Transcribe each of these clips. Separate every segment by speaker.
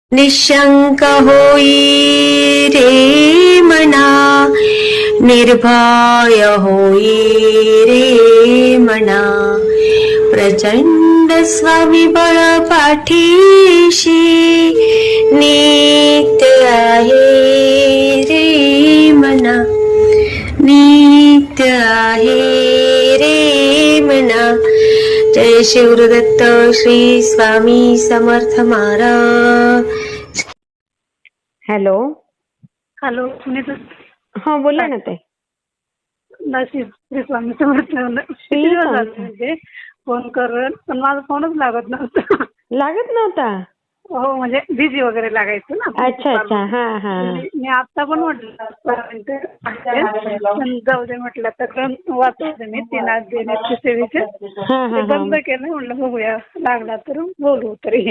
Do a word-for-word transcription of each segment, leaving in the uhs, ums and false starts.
Speaker 1: निशंक होई रे मना, निर्भय होई रे मना, प्रचंड स्वविबळ पाठीशी नित्य आहे रे मना, नित्य आहे रे मना. जय शिवदत्त श्री स्वामी समर्थ महाराज. हॅलो.
Speaker 2: हॅलो सुनीता.
Speaker 1: हा बोला ना ताई.
Speaker 2: नशीब श्री स्वामी समर्थ. किती दिवस झाले म्हणजे फोन करून पण माझा फोनच लागत नव्हता.
Speaker 1: लागत नव्हता?
Speaker 2: हो म्हणजे बिझी वगैरे लागायचं ना.
Speaker 1: अच्छा अच्छा. हा हा.
Speaker 2: मी आता पण म्हटलं जाऊ दे म्हटलं तर वाचवते मी तीन आज देण्याचे सेवेचे बंद केलं. म्हटलं बघूया लागला तर बोलू तरी.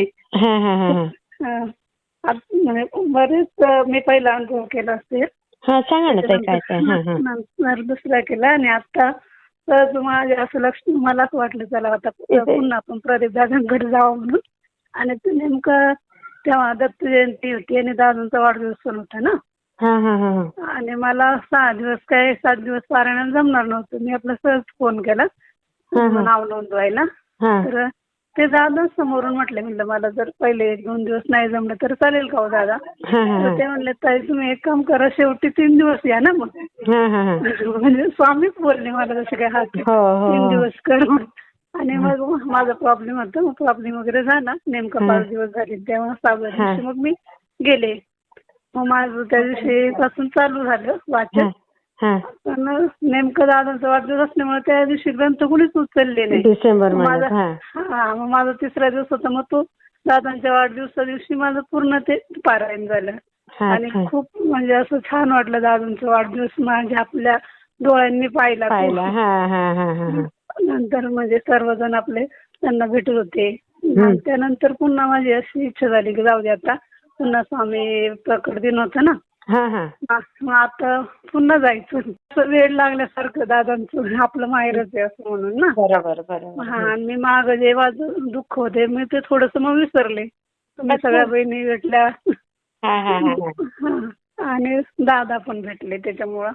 Speaker 2: म्हणजे बरेच मी पहिला अनुभव केला असेल.
Speaker 1: हा सांगा ना ताई काय काय.
Speaker 2: नंतर दुसरा केला आणि आता तर माझ्या असं लक्ष मला असं वाटलं चला आता पुन्हा आपण प्रदीप दादांकडे जावं म्हणून. आणि ते नेमकं तेव्हा दत्त जयंती होती आणि दादांचा वाढदिवस पण होता ना. आणि मला सहा दिवस काय सात दिवस पारायणाला जमणार नव्हतं. मी आपला सहज फोन केला नाव नोंदवायला. तर ते दादा समोरून म्हटले म्हणलं मला जर पहिले एक दोन दिवस नाही जमलं तर चालेल का हो दादा. तर ते म्हणले ताई तुम्ही एक काम करा शेवटी तीन दिवस या ना मग. म्हणजे स्वामीच बोलले मला जसं काय हा तीन दिवस कर. आणि मग माझा प्रॉब्लेम होता. मग प्रॉब्लेम वगैरे झाला. नेमका पाच दिवस झाले तेव्हा सहाव्या दिवशी मग मी गेले. मग माझं त्या दिवशी पासून चालू झालं वाचन. पण नेमकं दादांचा वाढदिवस असल्यामुळे त्या दिवशी ग्रंथ कुणीच उचलले नाही.
Speaker 1: डिसेंबर
Speaker 2: माझा हा मग माझा तिसरा दिवस होता. मग तो दादांच्या वाढदिवसा दिवशी माझं पूर्ण ते पारायण झालं. आणि खूप म्हणजे असं छान वाटलं. दादांचा वाढदिवस माझ्या आपल्या डोळ्यांनी पाहिला. नंतर म्हणजे सर्वजण आपले त्यांना भेटत होते. त्यानंतर पुन्हा माझी अशी इच्छा झाली की जाऊ दे आता पुन्हा स्वामी प्रकट दिन होतं ना. मग आता पुन्हा जायचं. वेळ लागल्यासारखं दादांचं आपलं माहेरच आहे असं म्हणून ना.
Speaker 1: बरोबर बरोबर.
Speaker 2: हा आणि मी माग जे माझं दुःख होते मी ते थोडस मग विसरले. तुम्ही सगळ्या बहिणी भेटल्या आणि दादा पण भेटले त्याच्यामुळं.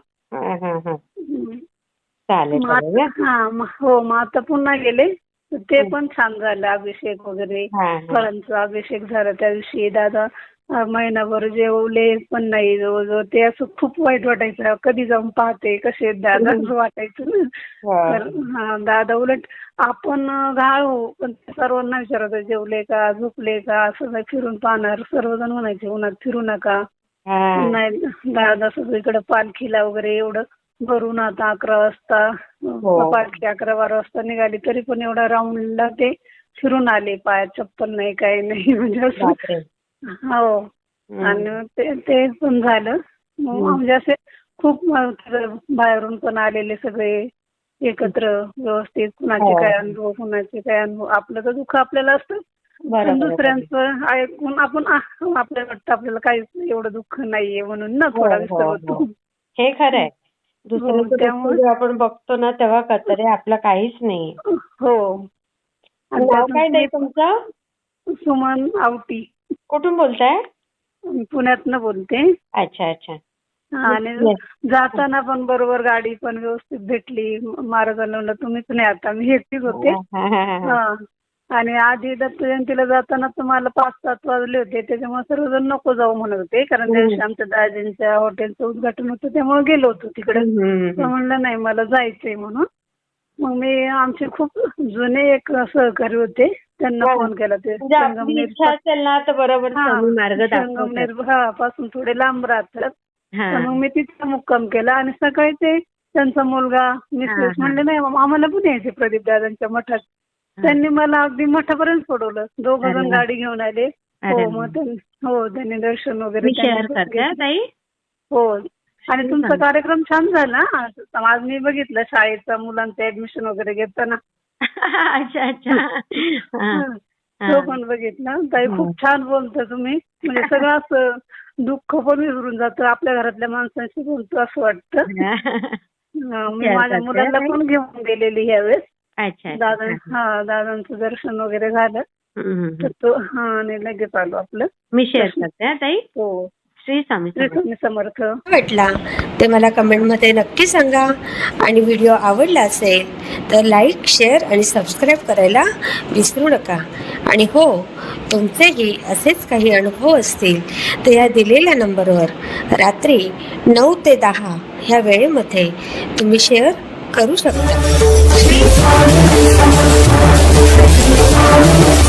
Speaker 2: हा हो मग आता पुन्हा गेले. ते पण छान झालं. अभिषेक वगैरे फळांचा अभिषेक झाला त्या दिवशी. दादा महिनाभर जेवले पण नाही जवळजवळ. ते असं खूप वाईट वाटायचं. कधी जाऊन पाहते कसे दादा वाटायचं ना. तर हा दादा उलट आपण घाळ हो पण सर्वांना विचारत जेवले का झोपले का असं फिरून पाहणार. सर्वजण म्हणायचे उन्हात फिरू नका. नाही दादा सगळीकडे पालखीला वगैरे एवढं भरून आता अकरा वाजता पालखी अकरा बारा वाजता निघाली तरी पण एवढा राऊंडला ते फिरून आले. पायात चप्पल नाही काही नाही म्हणजे असं. हो आणि ते ते पण झालं. म्हणजे असे खूप बाहेरून पण आलेले सगळे एकत्र व्यवस्थित. कुणाचे काय अनुभव कुणाचे काय अनुभव. आपलं तर दुःख आपल्याला असतं पण दुसऱ्यांचं ऐकून आपण आपल्याला वाटतं आपल्याला काहीच एवढं दुःख नाहीये म्हणून ना थोडा विसर होतो.
Speaker 1: हे खरंय. दुसऱ्याचं आपण बघतो ना तेव्हा कळतं रे आपलं काहीच नाही.
Speaker 2: हो.
Speaker 1: नाव काय नाही तुमचं?
Speaker 2: सुमन आवटी.
Speaker 1: कुठून बोलताय?
Speaker 2: पुण्यातनं बोलते.
Speaker 1: अच्छा अच्छा.
Speaker 2: आणि जाताना पण बरोबर गाडी पण व्यवस्थित भेटली. महाराजांना तुम्हीच नाही आता मी एकटीच होते. आणि आधी दत्त जयंतीला जाताना तुम्हाला पाच सात वाजले होते त्याच्यामुळे सर्वजण नको जाऊ म्हणत होते. कारण त्या दिवशी आमच्या दाजींच्या हॉटेलचं उद्घाटन होतं त्यामुळे गेलो होतो तिकडे. म्हणलं नाही मला जायचंय म्हणून. मग मी आमचे खूप जुने एक सहकारी होते त्यांना फोन केला. ते संगमनेर पासून थोडे लांब राहतात. मग मी तिथे मुक्काम केला आणि सकाळी ते त्यांचा मुलगा मिसेस म्हणले नाही आम्हाला पण यायचे प्रदीप दादांच्या मठात. त्यांनी मला अगदी मठापर्यंत सोडवलं. दोघ जण गाडी घेऊन आले. हो मग हो त्यांनी दर्शन वगैरे. हो आणि तुमचा कार्यक्रम छान झाला. आज मी बघितलं शाळेचा मुलांचं ऍडमिशन वगैरे घेताना.
Speaker 1: अच्छा अच्छा.
Speaker 2: तो पण बघितला. ताई खूप छान बोलता तुम्ही. म्हणजे सगळं असं दुःख पण विसरून जातं. आपल्या घरातल्या माणसांशी बोलतो असं वाटतं. मी माझ्या मुलांना पण घेऊन गेलेली ह्यावेळेस. दादा हा दादांचं दर्शन वगैरे झालं.
Speaker 1: हम्म, हम्म,
Speaker 2: तर तो हा आणि लगेच आलो आपलं.
Speaker 1: मी शेअर करते हा ताई.
Speaker 2: हो.
Speaker 1: श्री स्वामी
Speaker 2: श्री
Speaker 1: समर्थ.
Speaker 2: स्वामी समर्थ.
Speaker 3: वाटला ते मला कमेंटमध्ये नक्की सांगा. आणि व्हिडिओ आवडला असेल तर लाईक, शेअर आणि सबस्क्राईब करायला विसरू नका. आणि हो, तुमचेही असेच काही अनुभव असतील तर या दिलेल्या नंबरवर रात्री नऊ ते दहा ह्या वेळेमध्ये तुम्ही शेअर करू शकता.